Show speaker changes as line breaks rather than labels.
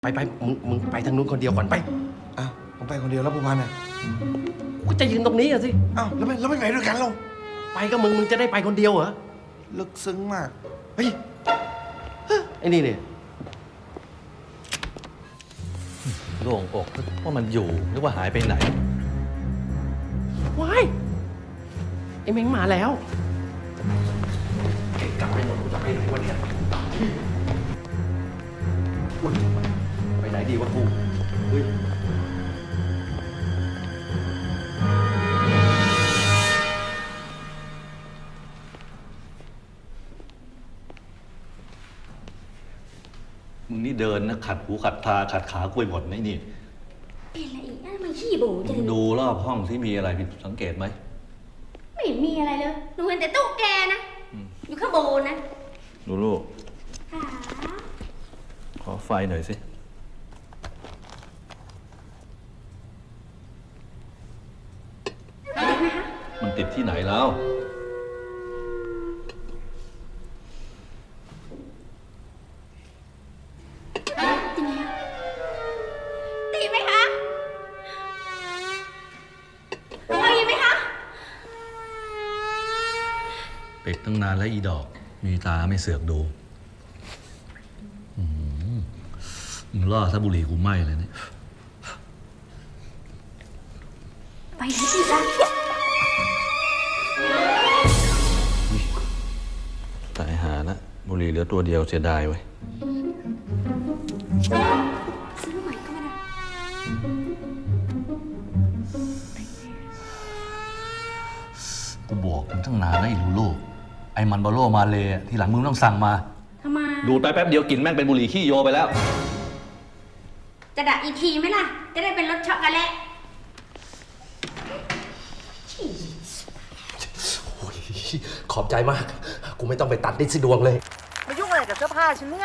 ไปมึงไปทางนู้นคนเดียวก่อนไป
อ้าวผมไปคนเดียวแล้วผู้พันอ่ะ
กูจะยืนตรงนี้อะสิ
อ้าวแล้วไม่ไปด้วยกันเรา
ไปก็มึงจะได้ไปคนเดียวเหรอ
ลึกซึ้งมากเฮ้ย
ไอ้นี่เนี่ย
โล่งอกว่ามันอยู่หรือว่าหายไปไหน
ว้ายไอ้เม้งมาแล้วกลับไปหมดกูจะไปไหนวะเนี่ยไปไหนดีวะกูเฮ้ย
มึงนี่เดินนะขัดหูขัดตาขัดขาคุยหมดไหมนี่
เป็นอะไรอีกนะมันขี้บูจัง
ดูรอบห้องที่มีอะไรผิดสังเกตไหม
ไม่มีอะไรเลยหนูเห็นแต่ตุ๊กแกนะ อยู่ข้างบนนะ
ดูลูก
ค่ะ
ขอไฟหน่อยสิ มันติดที่ไหนแล้ว
ตีไหมคะตีไหมคะ
ปิดตั้งนานแล้วอีดอก มีตาไม่เสือกดูมึงล่อซะบุหรี่กูไหม้เลยเนี่ย
ไปไหนอีกล่ะ
ตายหาละบุหรี่เหลือตัวเดียวเสียดายเว้ย
ซื้อใหม่ก็มาได้
กูบอกมึงตั้งนานแล้วไอ้ลูลูไอ้มันบาโลมาเลยทีหลังมึงต้องสั่งมา
ทำไม
ดูดไปแป๊บเดียวกลิ่นแม่งเป็นบุหรี่ขี้โยไปแล้ว
จะดักอีกทีไหมล่ะ จะได้เป็นรสช็อกโกแลต
โอ้ยขอบใจมาก กูไม่ต้องไปตัดดิสดวงเลย
มายุ่งอะไรกับเสื้อผ้าฉันเนี่ย